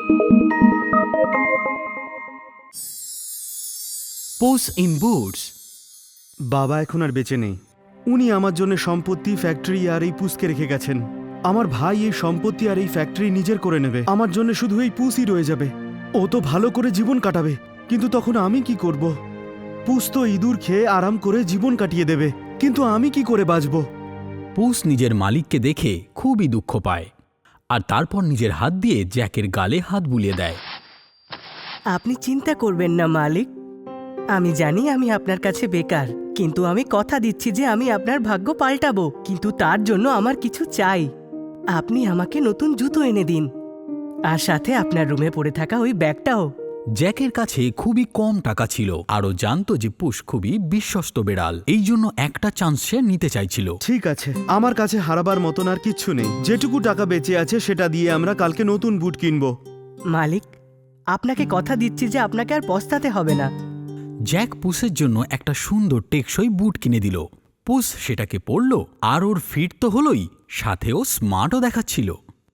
Push in boots. বাবা এখন আর বেঁচে নেই। উনি আমার জন্য সম্পত্তি, ফ্যাক্টরি আর এই পুসকে রেখে গেছেন। আমার ভাই এই সম্পত্তি আর এই ফ্যাক্টরি নিজের করে নেবে। আমার জন্য শুধু এই পুসই রয়ে যাবে। ও তো ভালো করে জীবন কাটাবে, কিন্তু তখন আমি কি করব? পুস তো ইঁদুর খেয়ে আরাম করে জীবন কাটিয়ে দেবে, কিন্তু আমি কি করে বাঁচব? পুস নিজের মালিককে দেখে খুবই দুঃখ পায় আর তারপর নিজের হাত দিয়ে জ্যাকের গালে হাত বুলিয়ে দেয়। আপনি চিন্তা করবেন না মালিক, আমি জানি আমি আপনার কাছে বেকার, কিন্তু আমি কথা দিচ্ছি যে আমি আপনার ভাগ্য পাল্টাবো। কিন্তু তার জন্য আমার কিছু চাই। আপনি আমাকে নতুন জুতো এনে দিন, আর সাথে আপনার রুমে পড়ে থাকা ওই ব্যাগটাও। জ্যাকের কাছে খুবই কম টাকা ছিল আর ও জানত যে পুস খুবই বিশ্বস্ত বেড়াল, এই জন্য একটা চান্স সে নিতে চাইছিল। ঠিক আছে, আমার কাছে হারাবার মতন আর কিচ্ছু নেই। যেটুকু টাকা বেঁচে আছে সেটা দিয়ে আমরা কালকে নতুন বুট কিনবো। মালিক, আপনাকে কথা দিচ্ছি যে আপনাকে আর পস্তাতে হবে না। জ্যাক পুসের জন্য একটা সুন্দর টেকসই বুট কিনে দিল। পুস সেটাকে পরল আর ওর ফিট তো হলোই, সাথেও স্মার্টও দেখাচ্ছিল।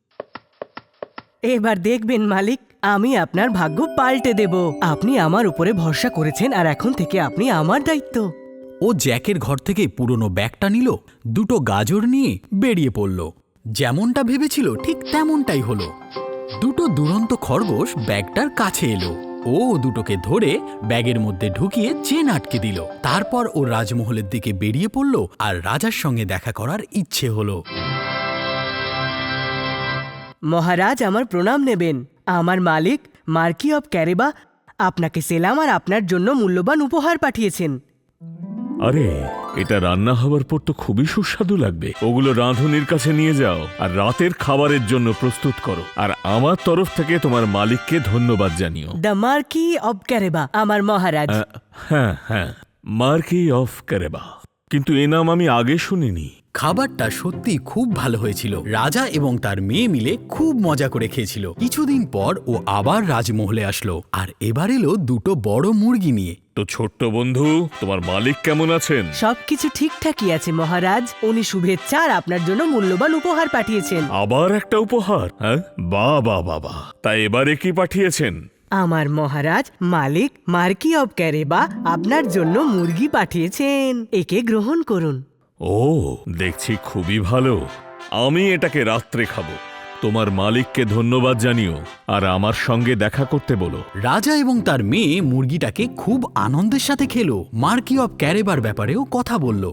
এবার দেখবেন মালিক, আমি আপনার ভাগ্য পাল্টে দেব। আপনি আমার উপরে ভরসা করেছেন আর এখন থেকে আপনি আমার দায়িত্ব। ও জ্যাকের ঘর থেকে পুরনো ব্যাগটা নিল, দুটো গাজর নিয়ে বেরিয়ে পড়ল। যেমনটা ভেবেছিল ঠিক তেমনটাই হলো। দুটো দুরন্ত খরগোশ ব্যাগটার কাছে এলো। ও দুটোকে ধরে ব্যাগের মধ্যে ঢুকিয়ে চেন আটকে দিল। তারপর ও রাজমহলের দিকে বেরিয়ে পড়ল আর রাজার সঙ্গে দেখা করার ইচ্ছে হলো। মহারাজ, আমার প্রণাম নেবেন। আমার মালিক মার্কি অব ক্যারেবা আপনাকে সেলাম আর আপনার জন্য মূল্যবান উপহার পাঠিয়েছেন। আরে, এটা রান্না হওয়ার পর তো খুবই সুস্বাদু লাগবে। ওগুলো রাঁধুনির কাছে নিয়ে যাও আর রাতের খাবারের জন্য প্রস্তুত করো। আর আমার তরফ থেকে তোমার মালিককে ধন্যবাদ জানিও। দ্য মার্কি অব ক্যারেবা, আমার মহারাজ। হ্যাঁ হ্যাঁ, মার্কি অফ ক্যারেবা, কিন্তু এ নাম আমি আগে শুনিনি। খাবারটা সত্যি খুব ভালো হয়েছিল। রাজা এবং তার মেয়ে মিলে খুব মজা করে খেয়েছিল। কিছুদিন পর ও আবার রাজমহলে আসলো আর এবার এলো দুটো বড় মুরগি নিয়ে। তো ছোট্ট বন্ধু, তোমার মালিক কেমন আছেন? সবকিছু ঠিকঠাকই আছে মহারাজ। উনি শুভেচ্ছা আর আপনার জন্য মূল্যবান উপহার পাঠিয়েছেন। আবার একটা উপহার? হ্যাঁ, বাহ বাহ বাহ বাহ। তাই এবারে কি পাঠিয়েছেন? আমার মহারাজ মালিক মার্কি অব ক্যারেবা আপনার জন্য মুরগি পাঠিয়েছেন। একে গ্রহণ করুন। ও, দেখছি খুবই ভালো। আমি এটাকে রাত্রে খাবো। তোমার মালিককে ধন্যবাদ জানিও আর আমার সঙ্গে দেখা করতে বলো। রাজা এবং তার মেয়ে মুরগিটাকে খুব আনন্দের সাথে খেলো। মার্কি অব ক্যারেবার ব্যাপারেও কথা বলল।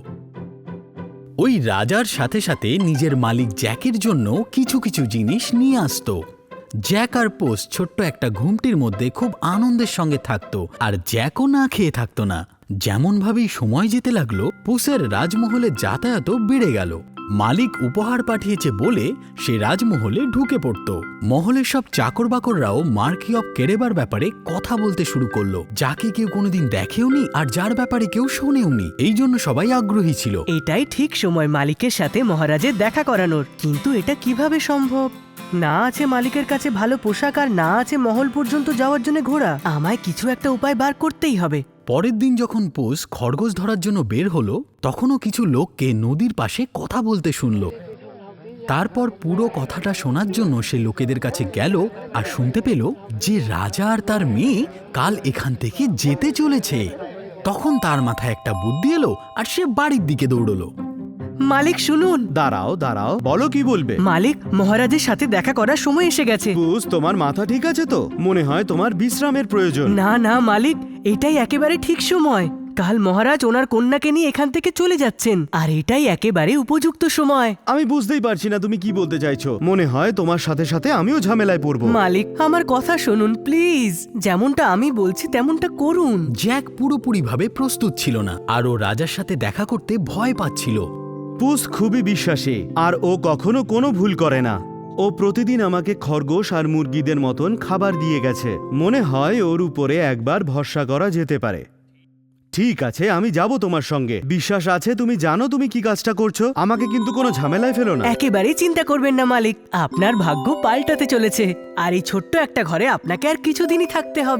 ওই রাজার সাথে সাথে নিজের মালিক জ্যাকের জন্য কিছু কিছু জিনিস নিয়ে আসতো। জ্যাক আর পোস ছোট্ট একটা ঘুমটির মধ্যে খুব আনন্দের সঙ্গে থাকতো আর জ্যাকও না খেয়ে থাকতো না। যেমনভাবেই সময় যেতে লাগলো, পুসের রাজমহলে যাতায়াতও বেড়ে গেল। মালিক উপহার পাঠিয়েছে বলে সে রাজমহলে ঢুকে পড়ত। মহলের সব চাকর বাকররাও মার্কি অব ক্যারেবার ব্যাপারে কথা বলতে শুরু করলো, যাকে কেউ কোনোদিন দেখেওনি আর যার ব্যাপারে কেউ শোনেওনি। এই জন্য সবাই আগ্রহী ছিল। এটাই ঠিক সময় মালিকের সাথে মহারাজের দেখা করানোর। কিন্তু এটা কিভাবে সম্ভব? না আছে মালিকের কাছে ভালো পোশাক আর না আছে মহল পর্যন্ত যাওয়ার জন্য ঘোড়া। আমায় কিছু একটা উপায় বার করতেই হবে। পরের দিন যখন পুস খরগোশ ধরার জন্য বের হলো, তখনও কিছু লোককে নদীর পাশে কথা বলতে শুনল। তারপর পুরো কথাটা শোনার জন্য সে লোকেদের কাছে গেল আর শুনতে পেল যে রাজা আর তার মেয়ে কাল এখান থেকে যেতে চলেছে। তখন তার মাথায় একটা বুদ্ধি এলো আর সে বাড়ির দিকে দৌড়লো। মালিক শুনুন। দাঁড়াও দাঁড়াও, বলো কি বলবে? মালিক, মহারাজের সাথে দেখা করার সময় এসে গেছে। পুস, তোমার মাথা ঠিক আছে তো? মনে হয় তোমার বিশ্রামের প্রয়োজন। না না মালিক, এটাই একেবারে ঠিক সময়। কাল মহারাজ ওনার কন্যাকে নিয়ে এখান থেকে চলে যাচ্ছেন আর এটাই একেবারে উপযুক্ত সময়। আমি বুঝতেই পারছি না তুমি কি বলতে চাইছো। মনে হয় তোমার সাথে সাথে আমিও ঝামেলায় পড়বো। মালিক, আমার কথা শুনুন প্লিজ। যেমনটা আমি বলছি তেমনটা করুন। জ্যাক পুরোপুরিভাবে প্রস্তুত ছিল না আর ও রাজার সাথে দেখা করতে ভয় পাচ্ছিল। পুস খুবই বিশ্বাসী আর ও কখনো কোনো ভুল করে না। ও প্রতিদিন আমাকে খরগোশ আর মুরগিদের মতন খাবার দিয়ে গেছে। মনে হয় ওর উপরে একবার ভরসা করা যেতে পারে। ঠিক আছে, আমি যাব তোমার সঙ্গে। বিশ্বাস আছে তুমি জানো তুমি কি কাজটা করছো। আমাকে কিন্তু কোনো ঝামেলায় ফেলো না। একেবারেই চিন্তা করবেন না মালিক, আপনার ভাগ্য পাল্টাতে চলেছে। আর এই ছোট্ট একটা ঘরে আপনাকে আর কিছুদিনই থাকতে হবে।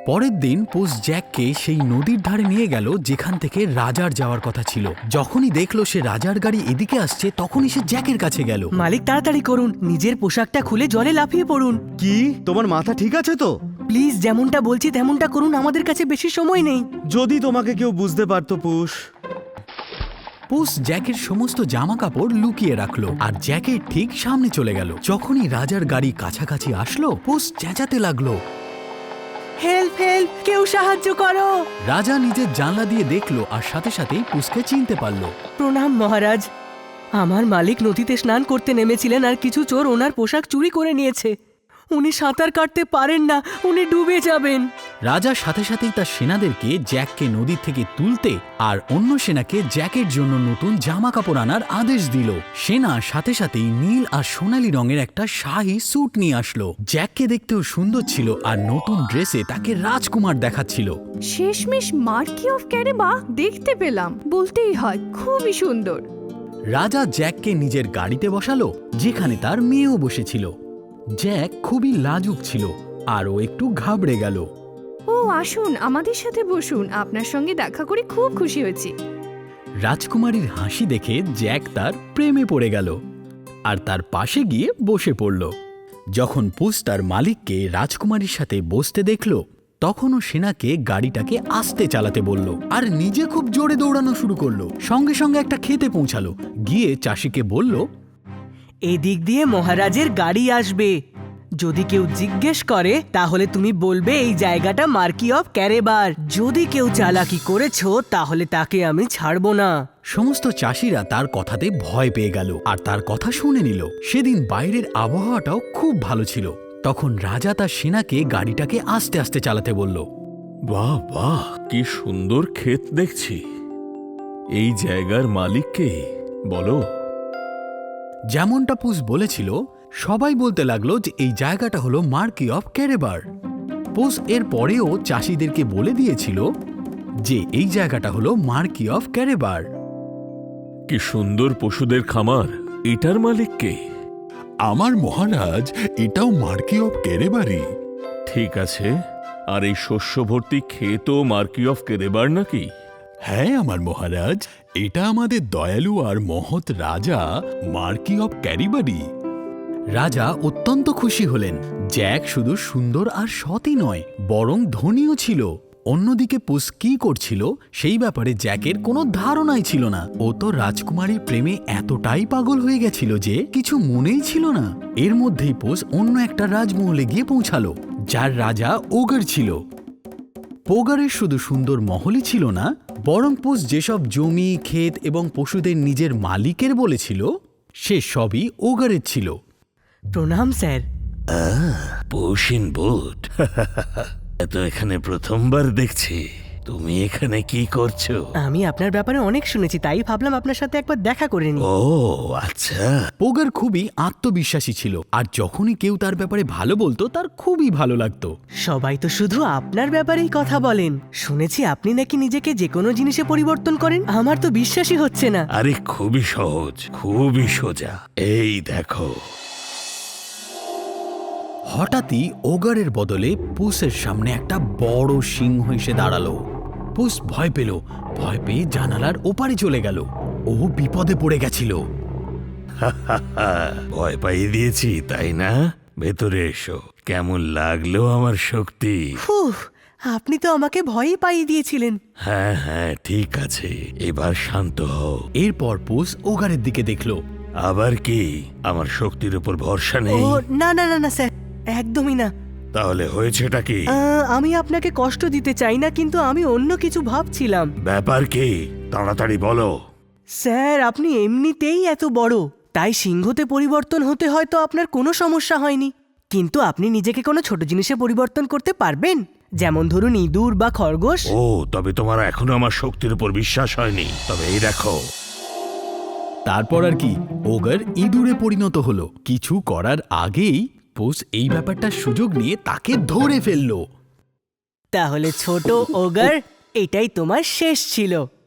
পরের দিন পুস জ্যাককে সেই নদীর ধারে নিয়ে গেল যেখান থেকে রাজার যাওয়ার কথা ছিল। যখনই দেখলো সে রাজার গাড়ি এদিকে আসছে, তখনই সে জ্যাকের কাছে গেল। মালিক তাড়াতাড়ি করুন, নিজের পোশাকটা খুলে জলে লাফিয়ে পড়ুন। কি তোমার মাথা ঠিক আছে তো? প্লিজ যেমনটা বলছি তেমনটা করুন, আমাদের কাছে বেশি সময় নেই। যদি তোমাকে কেউ বুঝতে পারতো পুষ। পুস জ্যাকের সমস্ত জামা কাপড় লুকিয়ে রাখলো আর জ্যাকের ঠিক সামনে চলে গেল। যখনই রাজার গাড়ি কাছাকাছি আসলো, পুস চেঁচাতে লাগলো, হেল্প হেল্প, কেউ সাহায্য করো। রাজা নিজের জানলা দিয়ে দেখলো আর সাথে সাথেই পুসকে চিনতে পারলো। প্রণাম মহারাজ, আমার মালিক নদীতে স্নান করতে নেমেছিলেন আর কিছু চোর ওনার পোশাক চুরি করে নিয়েছে। উনি সাঁতার কাটতে পারেন না, উনি ডুবে যাবেন। রাজা সাথে সাথেই তার সেনাদেরকে জ্যাককে নদীর থেকে তুলতে আর অন্য সেনাকে জ্যাকের জন্য নতুন জামা কাপড় আনার আদেশ দিল। সেনা সাথে সাথেই নীল আর সোনালী রঙের একটা শাহী স্যুট নিয়ে আসলো। জ্যাককে দেখতেও সুন্দর ছিল আর নতুন ড্রেসে তাকে রাজকুমার দেখাচ্ছিল। শেষমেশ মার্কি অফ ক্যারেবা দেখতে পেলাম, বলতেই হয় খুবই সুন্দর। রাজা জ্যাককে নিজের গাড়িতে বসালো, যেখানে তার মেয়েও বসেছিল। জ্যাক খুবই লাজুক ছিল আর ও একটু ঘাবড়ে গেল। ও আসুন, আমাদের সাথে বসুন, আপনার সঙ্গে দেখা করে খুব খুশি হয়েছি। রাজকুমারীর হাসি দেখে জ্যাক তার প্রেমে পড়ে গেল আর তার পাশে গিয়ে বসে পড়ল। যখন পুস তার মালিককে রাজকুমারীর সাথে বসতে দেখল, তখনও সেনাকে গাড়িটাকে আস্তে চালাতে বলল আর নিজে খুব জোরে দৌড়ানো শুরু করলো। সঙ্গে সঙ্গে একটা খেতে পৌঁছালো, গিয়ে চাষিকে বলল, এদিক দিয়ে মহারাজের গাড়ি আসবে। যদি কেউ জিজ্ঞেস করে তাহলে তুমি বলবে এই জায়গাটা মার্কি অফ ক্যারেবার। যদি কেউ চালাকি করেছো তাহলে তাকে আমি ছাড়বো না। সমস্ত চাষিরা তার কথাতে ভয় পেয়ে গেল আর তার কথা শুনে নিল। সেদিন বাইরের আবহাওয়াটাও খুব ভালো ছিল। তখন রাজা তার সেনাকে গাড়িটাকে আস্তে আস্তে চালাতে বলল। বাহ বাহ, কি সুন্দর ক্ষেত দেখছি। এই জায়গার মালিক কে বলো? যেমনটা পুস বলেছিল, সবাই বলতে লাগলো যে এই জায়গাটা হলো মার্কি অফ ক্যারেবার। পুস এর পরেও চাষিদেরকে বলে দিয়েছিল যে এই জায়গাটা হলো মার্কি অফ ক্যারেবার। কি সুন্দর পশুদের খামার, এটার মালিক কে? আমার মহারাজ, এটাও মার্কি অফ কেরেবারি। ঠিক আছে, আর এই শস্য ভর্তি ক্ষেতও মার্কি অফ কেরেবার নাকি? হ্যাঁ আমার মহারাজ, এটা আমাদের দয়ালু আর মহৎ রাজা মার্কি অফ ক্যারিবারি। রাজা অত্যন্ত খুশি হলেন। জ্যাক শুধু সুন্দর আর সৎই নয়, বরং ধনীও ছিল। অন্যদিকে পুস কি করছিল সেই ব্যাপারে জ্যাকের কোনো ধারণাই ছিল না। ও তো রাজকুমারীর প্রেমে এতটাই পাগল হয়ে গেছিল যে কিছু মনেই ছিল না। এর মধ্যেই পুস অন্য একটা রাজমহলে গিয়ে পৌঁছালো, যার রাজা ওগার ছিল। পোগারের শুধু সুন্দর মহলই ছিল না, বরং পুস যেসব জমি, ক্ষেত এবং পশুদের নিজের মালিকের বলেছিল, সে সবই ওগারের ছিল। প্রণাম স্যার। পৌশিন বুট, তো এখানে প্রথমবার দেখছি। তুমি এখানে কি করছো? আমি আপনার ব্যাপারে অনেক শুনেছি, তাই ভাবলাম আপনার সাথে একবার দেখা করে নিই। ও আচ্ছা। পোগার খুবই আত্মবিশ্বাসী ছিল আর যখনই কেউ তার ব্যাপারে ভালো বলতো তার খুবই ভালো লাগতো। সবাই তো শুধু আপনার ব্যাপারেই কথা বলেন। শুনেছি আপনি নাকি নিজেকে যে কোনো জিনিসে পরিবর্তন করেন। আমার তো বিশ্বাসই হচ্ছে না। আরে খুবই সহজ, খুবই সোজা। এই দেখো। হঠাৎই ওগারের বদলে পুসের সামনে একটা বড় সিংহ এসে দাঁড়ালো। পুস ভয় পেল, ভয় পেয়ে জানালার ওপারে চলে গেল। ও বিপদে পড়ে গেছিল। ভয় পাইয়ে দিয়েছি তাই না? ভেতরে এসো। কেমন লাগলো আমার শক্তি? ফুহ, আপনি তো আমাকে ভয়ই পাইয়ে দিয়েছিলেন। হ্যাঁ হ্যাঁ ঠিক আছে, এবার শান্ত হও। এরপর পুস ওগারের দিকে দেখলো। আবার কি আমার শক্তির উপর ভরসা ও নেই? না না না না স্যার, একদমই না। তাহলে হয়েছেটা কি? আমি আপনাকে কষ্ট দিতে চাই না, কিন্তু আমি অন্য কিছু ভাবছিলাম। ব্যাপার কি? তাড়াতাড়ি বলো। স্যার, আপনি এমনিতেই এত বড়, তাই সিংহতে পরিবর্তন হতে হয়তো আপনার কোনো সমস্যা হয়নি। কিন্তু আপনি নিজেকে কোনো ছোট জিনিসে পরিবর্তন করতে পারবেন, যেমন ধরুন ইঁদুর বা খরগোশ। ও তবে তোমার এখনো আমার শক্তির উপর বিশ্বাস হয়নি। তবে এই দেখো। তারপর আর কি, ওগার ইঁদুরে পরিণত হলো। কিছু করার আগেই পুস এই ব্যাপারটার সুযোগ নিয়ে তাকে ধরে ফেললো। তাহলে ছোট ওগার, এটাই তোমার শেষ ছিল।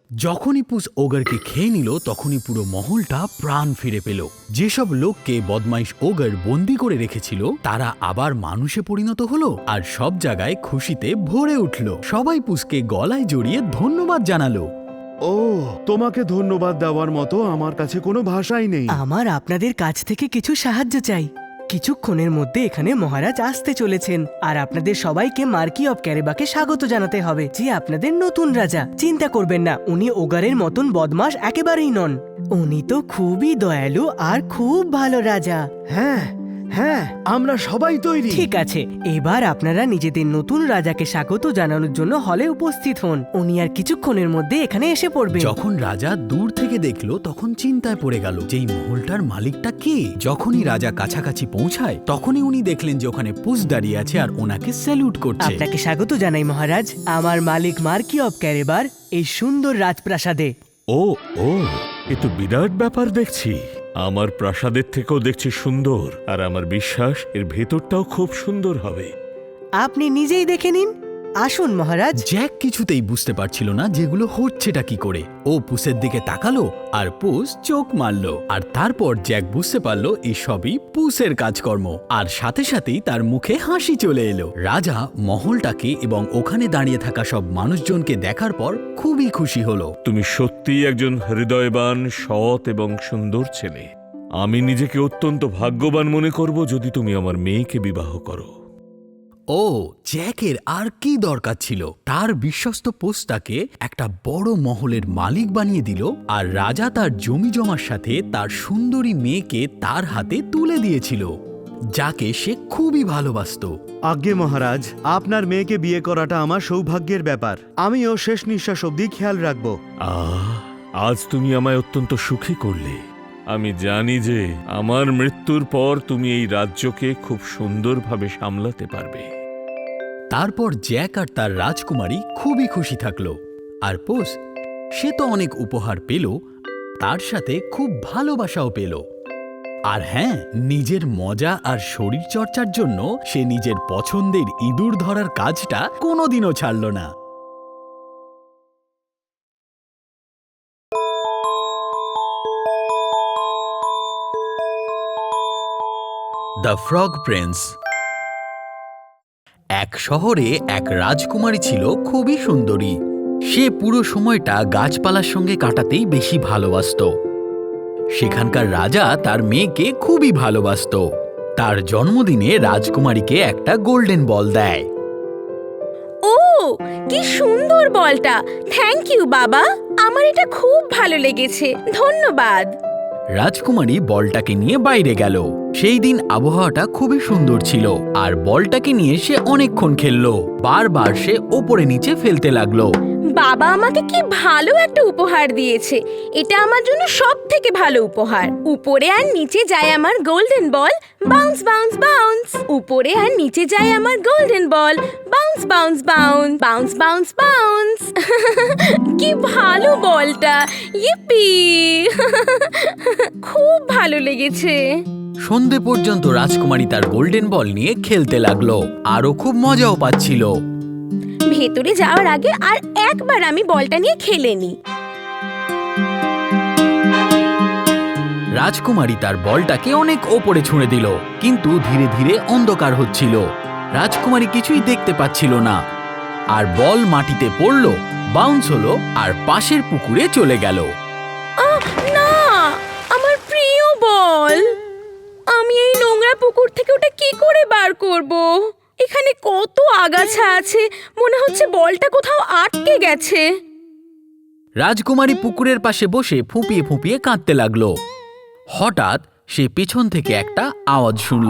যখনই পুস ওগারকে খেয়ে নিল তখনই পুরো মহলটা প্রাণ ফিরে পেল। যেসব লোককে বদমাইশ ওগার বন্দি করে রেখেছিল তারা আবার মানুষে পরিণত হলো আর সব জায়গায় খুশিতে ভরে উঠল। সবাই পুসকে গলায় জড়িয়ে ধন্যবাদ জানালো। ও, তোমাকে ধন্যবাদ দেওয়ার মতো আমার কাছে কোনো ভাষাই নেই। আমার আপনাদের কাছ থেকে কিছু সাহায্য চাই। কিছুক্ষণের মধ্যে এখানে মহারাজ আসতে চলেছেন আর আপনাদের সবাইকে মার্কি অফ ক্যারেবাকে স্বাগত জানাতে হবে, যে আপনাদের নতুন রাজা। চিন্তা করবেন না, উনি ওগারের মতন বদমাশ একেবারেই নন। উনি তো খুবই দয়ালু আর খুব ভালো রাজা। হ্যাঁ হ্যাঁ, আমরা সবাই তৈরি। ঠিক আছে, এবার আপনারা নিজেদের নতুন রাজাকে স্বাগত জানানোর জন্য হলে উপস্থিত হন। উনি আর কিছুক্ষণের মধ্যে এখানে এসে পড়বেন। যখন রাজা দূর থেকে দেখলো তখন চিন্তায় পড়ে গেল যে এই মহলটার মালিকটা কে। যখনই রাজা কাছাকাছি পৌঁছায় তখনই উনি দেখলেন যে ওখানে পুস দাঁড়িয়ে আছে আর ওনাকে স্যালুট করছে। আপনাকে স্বাগত জানাই মহারাজ, আমার মালিক মার্কি অফ ক্যারেবার এই সুন্দর রাজপ্রাসাদে। ও ও, এ তো বিরাট ব্যাপার দেখছি। আমার প্রাসাদের থেকেও দেখছি সুন্দর, আর আমার বিশ্বাস এর ভেতরটাও খুব সুন্দর হবে। আপনি নিজেই দেখে নিন। আসুন মহারাজ। জ্যাক কিছুতেই বুঝতে পারছিল না যেগুলো হচ্ছেটা কি করে। ও পুসের দিকে তাকালো আর পুস চোখ মারলো, আর তারপর জ্যাক বুঝতে পারলো এসবই পুসের কাজকর্ম, আর সাথে সাথেই তার মুখে হাসি চলে এলো। রাজা মহলটাকে এবং ওখানে দাঁড়িয়ে থাকা সব মানুষজনকে দেখার পর খুবই খুশি হলো। তুমি সত্যিই একজন হৃদয়বান, সৎ এবং সুন্দর ছেলে। আমি নিজেকে অত্যন্ত ভাগ্যবান মনে করব যদি তুমি আমার মেয়েকে বিবাহ করো। ও, জ্যাকের আর কি দরকার ছিল? তার বিশ্বস্ত পোস্টটাকে একটা বড় মহলের মালিক বানিয়ে দিল, আর রাজা তার জমি জমার সাথে তার সুন্দরী মেয়েকে তার হাতে তুলে দিয়েছিল, যাকে সে খুবই ভালোবাসতো। আজ্ঞে মহারাজ, আপনার মেয়েকে বিয়ে করাটা আমার সৌভাগ্যের ব্যাপার। আমিও শেষ নিঃশ্বাস অবধি খেয়াল রাখবো। আজ তুমি আমায় অত্যন্ত সুখী করলে। আমি জানি যে আমার মৃত্যুর পর তুমি এই রাজ্যকে খুব সুন্দরভাবে সামলাতে পারবে। তারপর জ্যাক আর তার রাজকুমারী খুবই খুশি থাকলো, আর পোস সে তো অনেক উপহার পেল, তার সাথে খুব ভালোবাসাও পেল। আর হ্যাঁ, নিজের মজা আর শরীর চর্চার জন্য সে নিজের পছন্দের ইঁদুর ধরার কাজটা কোনোদিনও ছাড়ল না। The frog prince. এক শহরে এক রাজকুমারী ছিল খুবই সুন্দরী। সে পুরো সময়টা গাছপালার সঙ্গে কাটাতেই বেশি ভালোবাসতো। সেখানকার রাজা তার মেয়েকে খুবই ভালোবাসতো। তার জন্মদিনে রাজকুমারীকে একটা গোল্ডেন বল দেয়। ও, কি সুন্দর বলটা! থ্যাংক ইউ বাবা, আমার এটা খুব ভালো লেগেছে, ধন্যবাদ। রাজকুমারী বলটাকে নিয়ে বাইরে গেল। সেই দিন আবহাওয়াটা খুবই সুন্দর ছিল, আর বলটাকে নিয়ে সে অনেকক্ষণ খেললো। বারবার সে ওপরে নিচে ফেলতে লাগলো। বাবা আমাকে কি ভালো একটা উপহার দিয়েছে, এটা আমার জন্য সব থেকে ভালো উপহার। উপরে আর নিচে যায় আমার golden ball, bounce bounce bounce. উপরে আর নিচে যায় আমার golden ball, bounce bounce bounce, bounce bounce bounce. কি ভালো বলটা, ইপি! খুব ভালো লেগেছে। সন্ধে পর্যন্ত রাজকুমারী তার গোল্ডেন বল নিয়ে খেলতে লাগলো, আরও খুব মজাও পাচ্ছিল। ভেতরে যাওয়ার আগে আর একবার আমি বলটা নিয়ে খেলে নি। রাজকুমারী তার বলটাকে অনেক ওপরে ছুঁড়ে দিল, কিন্তু ধীরে ধীরে অন্ধকার হচ্ছিল। রাজকুমারী কিছুই দেখতে পাচ্ছিল না, আর বল মাটিতে পড়ল, বাউন্স হলো আর পাশের পুকুরে চলে গেল। না, আমার প্রিয় বল! আমি এই নোংরা পুকুর থেকে ওটা কি করে বার করব? এখানে কত আগাছা আছে, মনে হচ্ছে বলটা কোথাও আটকে গেছে। রাজকুমারী পুকুরের পাশে বসে ফুঁপিয়ে ফুঁপিয়ে কাঁদতে লাগলো। হঠাৎ সে পেছন থেকে একটা আওয়াজ শুনল।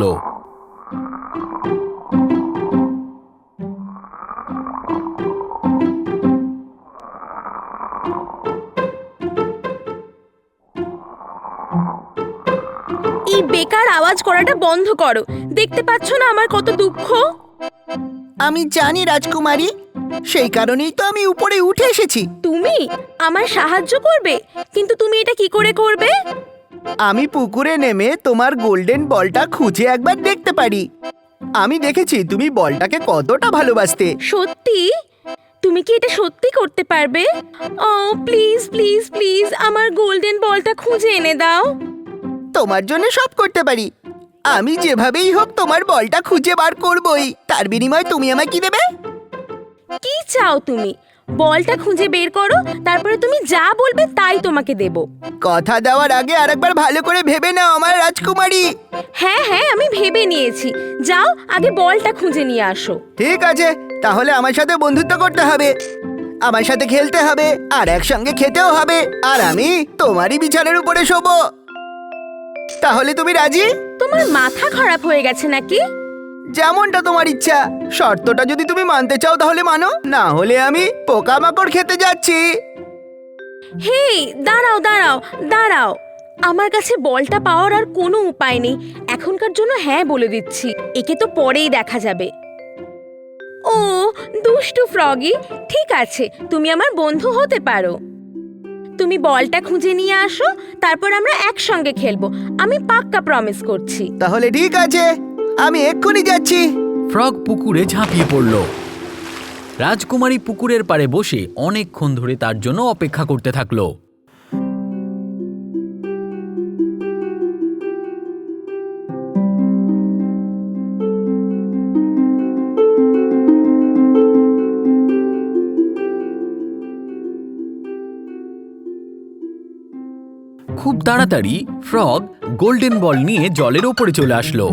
এই বেকার আওয়াজ করাটা বন্ধ করো, দেখতে পাচ্ছ না আমার কত দুঃখ? আমি জানি রাজকুমারী, সেই কারণেই তো আমি উপরে উঠে এসেছি। তুমি আমার সাহায্য করবে, কিন্তু তুমি এটা কি করে করবে? আমি পুকুরে নেমে তোমার গোল্ডেন বলটা খুঁজে একবার দেখতে পারি। আমি দেখেছি তুমি বলটাকে কতটা ভালোবাসতে। সত্যি? তুমি তুমি কি এটা সত্যি করতে পারবে? ও প্লিজ প্লিজ প্লিজ আমার গোল্ডেন বলটা খুঁজে এনে দাও। তোমার জন্য সব করতে পারি। আমি যেভাবেই হোক তোমার বলটা খুঁজে বার করবই। তার বিনিময়ে তুমি আমায় কি দেবে? কি চাও তুমি? বলটা খুঁজে বের করো, তারপরে তুমি যা বলবে তাই তোমাকে দেব। কথা দেওয়ার আগে আরেকবার ভালো করে ভেবে নাও আমার রাজকুমারী। হ্যাঁ হ্যাঁ, আমি ভেবে নিয়েছি। যাও আগে বলটা খুঁজে নিয়ে আসো। ঠিক আছে, তাহলে আমার সাথে বন্ধুত্ব করতে হবে, আমার সাথে খেলতে হবে, আর একসঙ্গে খেতেও হবে, আর আমি তোমারই বিছানার উপরে শোবো। তাহলে তুমি রাজি? তোমার মাথা খারাপ হয়ে গেছে নাকি? যেমনটা তোমার ইচ্ছা। শর্তটা যদি তুমি মানতে চাও তাহলে মানো, না হলে আমি পোকামাকড় খেতে যাচ্ছি। হেই দাঁড়াও দাঁড়াও দাঁড়াও, আমার কাছে বলটা পাওয়ার আর কোনো উপায় নেই। এখনকার জন্য হ্যাঁ বলে দিচ্ছি, একে তো পরেই দেখা যাবে। ও দুষ্টু ফ্রগি, ঠিক আছে তুমি আমার বন্ধু হতে পারো। তুমি বলটা খুঁজে নিয়ে আসো, তারপর আমরা একসঙ্গে খেলবো। আমি পাক্কা প্রমিস করছি। তাহলে ঠিক আছে, আমি এক্ষুনি যাচ্ছি। ফ্রগ পুকুরে ঝাঁপিয়ে পড়ল। রাজকুমারী পুকুরের পাড়ে বসে অনেকক্ষণ ধরে তার জন্য অপেক্ষা করতে থাকলো। খুব তাড়াতাড়ি ফ্রগ গোল্ডেন বল নিয়ে জলের ওপরে চলে আসলো।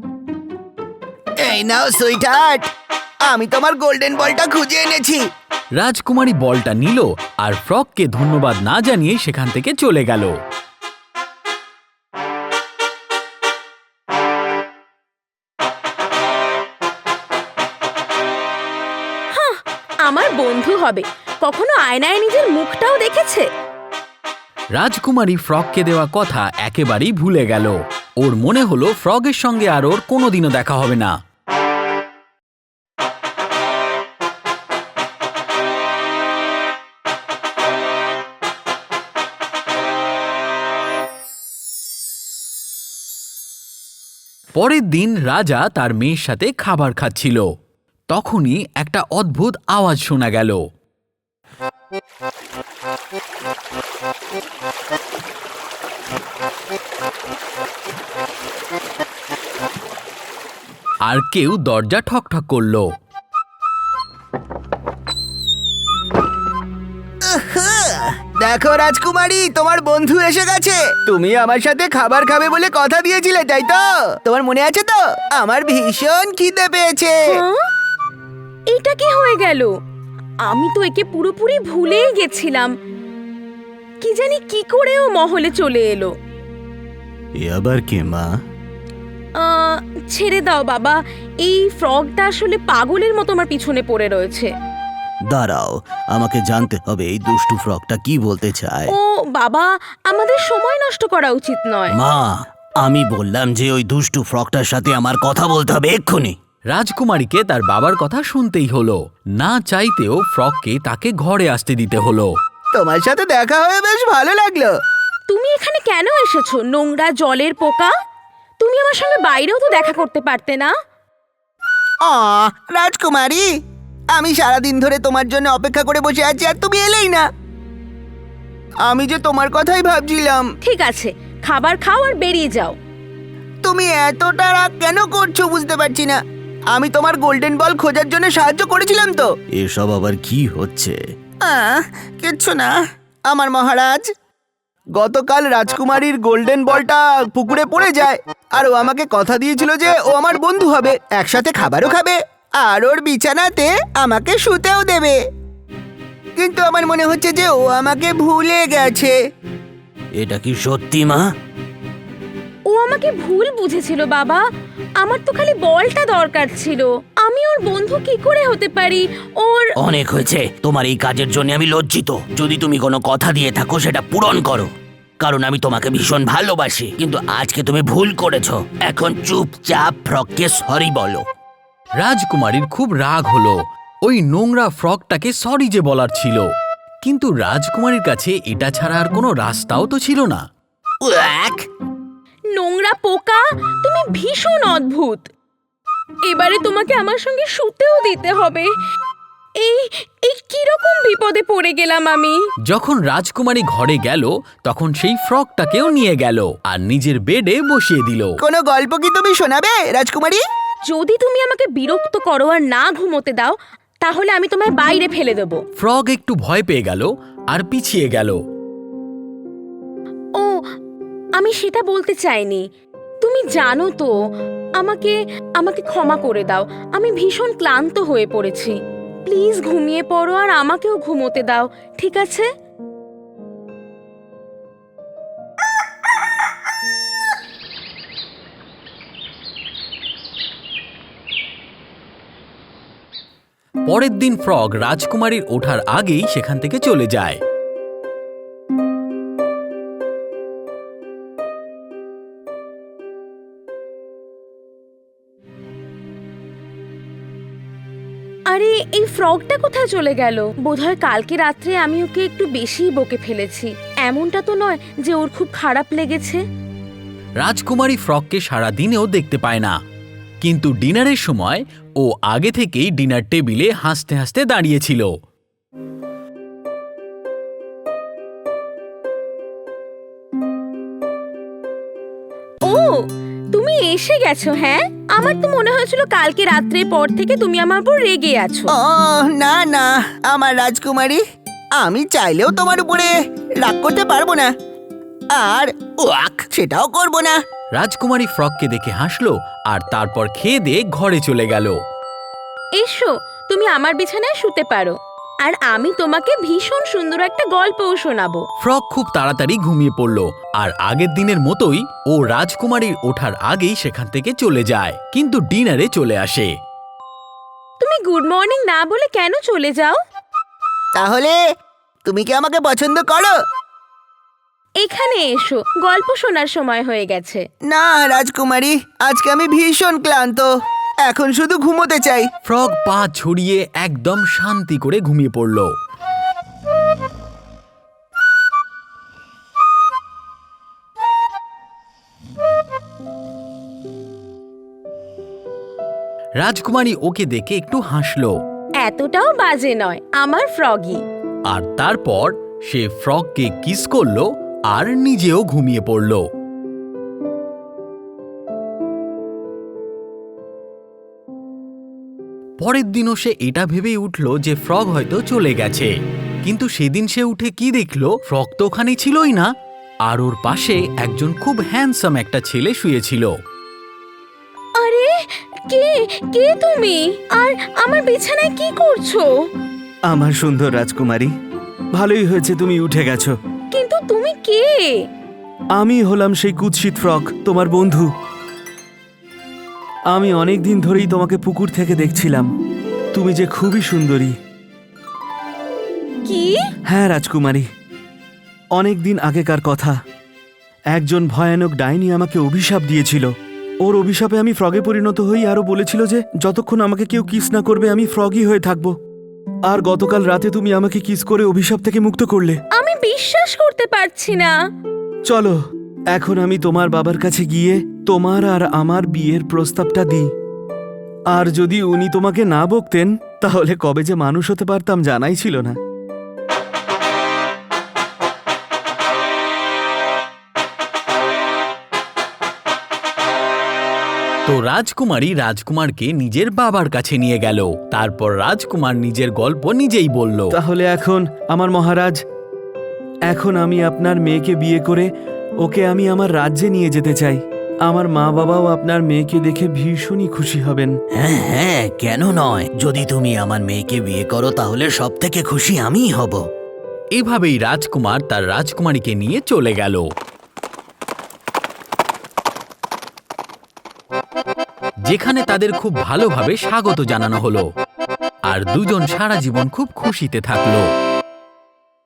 এই নাও সুইটহার্ট, আমি তোমার গোল্ডেন বলটা খুঁজে এনেছি। রাজকুমারী বলটা নিল আর ফ্রগকে ধন্যবাদ না জানিয়ে সেখান থেকে চলে গেল। আমার বন্ধু হবে, কখনো আয়নায় নিজের মুখটাও দেখেছে? রাজকুমারী ফ্রগকে দেওয়া কথা একেবারেই ভুলে গেল। ওর মনে হলো ফ্রগের সঙ্গে আর ওর কোনোদিনও দেখা হবে না। পরের দিন রাজা তার মেয়ের সাথে খাবার খাচ্ছিল। তখনই একটা অদ্ভুত আওয়াজ শোনা গেল। আর কেউ দরজা ঠকঠক করলো। দেখো রাজকুমারী, তোমার বন্ধু এসে গেছে। তুমি আমার সাথে খাবার খাবে বলে কথা দিয়েছিলে, তাই তো? তোমার মনে আছে তো? আমার ভীষণ খিদে পেয়েছে। হ্যাঁ? এটা কি হয়ে গেল? আমি তো একে পুরোপুরি ভুলেই গেছিলাম। কি জানি কি করে ও মহলে চলে এলো। এ আবার কে মা? ছেড়ে দাও বাবা, এই ফ্রগটা আসলে পাগলের মতো আমার পিছনে পড়ে রয়েছে। দাঁড়াও, আমাকে জানতে হবে এই দুষ্টু ফ্রকটা কি বলতে চায়। ও বাবা, আমাদের সময় নষ্ট করা উচিত নয়। মা, আমি বললাম যে ওই দুষ্টু ফ্রকটার সাথে আমার কথা বলতে হবে এক্ষুনি। রাজকুমারীকে তার বাবার কথা শুনতেই হলো। না চাইতেও ফ্রগকে তাকে ঘরে আসতে দিতে হলো। তোমার সাথে দেখা হয়ে বেশ ভালো লাগলো। তুমি এখানে কেন এসেছো, নোংরা জলের পোকা? তুমি আমার সঙ্গে বাইরেও তো দেখা করতে পারতে না? রাজকুমারী, আমি সারাদিন ধরে তোমার জন্য অপেক্ষা করে বসে আছি আর তুমি এলেই না। আমি যে তোমার কথাই ভাবছিলাম। ঠিক আছে, খাবার খাও আর বেরিয়ে যাও। তুমি এতটা রাগ কেন করছো বুঝতে পারছি না। আমি তোমার গোল্ডেন বল খোঁজার জন্য সাহায্য করেছিলাম তো। এসব আবার কি হচ্ছে? কিচ্ছু না আমার মহারাজ। গতকাল রাজকুমারীর গোল্ডেন বলটা পুকুরে পড়ে যায়, আর ও আমাকে কথা দিয়েছিল যে ও আমার বন্ধু হবে, একসাথে খাবারও খাবে, আর ওর বিছানাতে আমাকে শুতেও দেবে। কিন্তু আমার মনে হচ্ছে যে ও আমাকে ভুলে গেছে। এটা কি সত্যি মা? ও আমাকে ভুল বুঝেছিল বাবা। আমার তো খালি বলটা দরকার ছিল। আমি ওর বন্ধু কি করে হতে পারি? ওর অনেক হয়েছে, তোমার এই কাজের জন্য আমি লজ্জিত। যদি তুমি কোনো কথা দিয়ে থাকো সেটা পূরণ করো, কারণ আমি তোমাকে ভীষণ ভালোবাসি। কিন্তু আজকে তুমি ভুল করেছো। এখন চুপচাপ ফ্রককে সরি বলো। রাজকুমারীর খুব রাগ হলো। ওই নোংরা ফ্রগটাকে সরি যে বলার ছিল, কিন্তু রাজকুমারীর কাছে এটা ছাড়া আর কোনো রাস্তাও তো ছিল না। নোংরা পোকা, তুমি ভীষণ অদ্ভুত। এবারে তোমাকে আমার সঙ্গে শুতেও দিতে হবে। এই এই কিরকম বিপদে পড়ে গেলাম আমি। যখন রাজকুমারী ঘরে গেল তখন সেই ফ্রকটাকেও নিয়ে গেল আর নিজের বেডে বসিয়ে দিল। কোনো গল্প কি তুমি শোনাবে রাজকুমারী? যদি তুমি আমাকে বিরক্ত করো আর না ঘুমোতে দাও তাহলে আমি তোমায় বাইরে ফেলে দেবো। ফ্রগ একটু ভয় পেয়ে গেল আর পিছিয়ে গেল। ও, আমি সেটা বলতে চাইনি। তুমি জানো তো, আমাকে আমাকে ক্ষমা করে দাও। আমি ভীষণ ক্লান্ত হয়ে পড়েছি। প্লিজ ঘুমিয়ে পড়ো আর আমাকেও ঘুমোতে দাও, ঠিক আছে? পরের দিন ফ্রগ রাজকুমারীর ওঠার আগেই সেখান থেকে চলে যায়। আরে এই ফ্রগটা কোথায় চলে গেল? বোধহয় কালকে রাত্রে আমি ওকে একটু বেশিই বকে ফেলেছি। এমনটা তো নয় যে ওর খুব খারাপ লেগেছে। রাজকুমারী ফ্রগকে সারা দিনেও দেখতে পায় না, কিন্তু ডিনারের সময় ও আগে থেকেই ডিনার টেবিলে হাসতে হাসতে দাঁড়িয়েছিল। ও, তুমি এসে গেছো? হ্যাঁ, আমার তো মনে হয়েছিল কালকে রাত্রের পর থেকে তুমি আমার উপর রেগে আছো। ও না না, আমার রাজকুমারী, আমি চাইলেও তোমার উপরে রাগ করতে পারবো না, আর ওয়াক সেটাও করব না। রাজকুমারী ফ্রগকে দেখে হাসলো আর তারপর খেয়ে দিয়ে ঘরে চলে গেল। এসো, তুমি আমার বিছানায় শুতে পারো আর আমি তোমাকে ভীষণ সুন্দর একটা গল্পও শোনাবো। ফ্রগ খুব তাড়াতাড়ি ঘুমিয়ে পড়ল আর আগের দিনের মতোই ও রাজকুমারীর ওঠার আগেই সেখান থেকে চলে যায়, কিন্তু ডিনারে চলে আসে। তুমি গুড মর্নিং না বলে কেন চলে যাও? তাহলে তুমি কি আমাকে পছন্দ করো? এখানে এসো, গল্প শোনার সময় হয়ে গেছে। না রাজকুমারী, আজকে আমি ভীষণ ক্লান্ত, এখন শুধু ঘুমোতে চাই। ফ্রগ পা ছড়িয়ে একদম শান্তি করে ঘুমিয়ে পড়ল। রাজকুমারী ওকে দেখে একটু হাসলো। এতটাও বাজে নয় আমার ফ্রগি। আর তারপর সে ফ্রগকে কিস করলো আর নিজেও ঘুমিয়ে পড়ল। পরের দিনও সে এটা ভেবেই উঠল যে ফ্রগ হয়তো চলে গেছে, কিন্তু সেদিন সে উঠে কি দেখল, ফ্রগ তো ওখানে ছিলই না, আর ওর পাশে একজন খুব হ্যান্ডসাম একটা ছেলে শুয়েছিল। আরে কে কে তুমি? আর আমার বিছানায় কি করছো? আমার সুন্দর রাজকুমারী, ভালোই হয়েছে তুমি উঠে গেছো। কিন্তু তুমি কে? আমি হলাম সেই কুৎসিত ফ্রগ, তোমার বন্ধু। আমি অনেক দিন ধরেই তোমাকে পুকুর থেকে দেখছিলাম। তুমি যে খুবই সুন্দরী। কি? হ্যাঁ রাজকুমারী, অনেক দিন আগেকার কথা। একজন ভয়ানক ডাইনি আমাকে অভিশাপ দিয়েছিল। ওর অভিশাপে আমি ফ্রগে পরিণত হই, আরও বলেছিল যে যতক্ষণ আমাকে কেউ কিস না করবে আমি ফ্রগই হয়ে থাকব। আর গতকাল রাতে তুমি আমাকে কিস করে অভিশাপ থেকে মুক্ত করলে। আমি বিশ্বাস করতে পারছি না। চলো এখন আমি তোমার বাবার কাছে গিয়ে তোমার আর আমার বিয়ের প্রস্তাবটা দিই। আর যদি উনি তোমাকে না বকতেন তাহলে কবে যে মানুষ হতে পারতাম জানাই ছিল না। তো রাজকুমারী রাজকুমারকে নিজের বাবার কাছে নিয়ে গেল। তারপর রাজকুমার নিজের গল্প নিজেই বলল। তাহলে এখন আমার মহারাজ, এখন আমি আপনার মেয়েকে বিয়ে করে ওকে আমি আমার রাজ্যে নিয়ে যেতে চাই। আমার মা বাবাও আপনার মেয়েকে দেখে ভীষণই খুশি হবেন। হ্যাঁ হ্যাঁ, কেন নয়? যদি তুমি আমার মেয়েকে বিয়ে করো তাহলে সব থেকে খুশি আমিই হব। এভাবেই রাজকুমার তার রাজকুমারীকে নিয়ে চলে গেল। যেখানে তাদের খুব ভালোভাবে স্বাগত জানানো হলো আর দুজন সারা জীবন খুব খুশিতে থাকলো।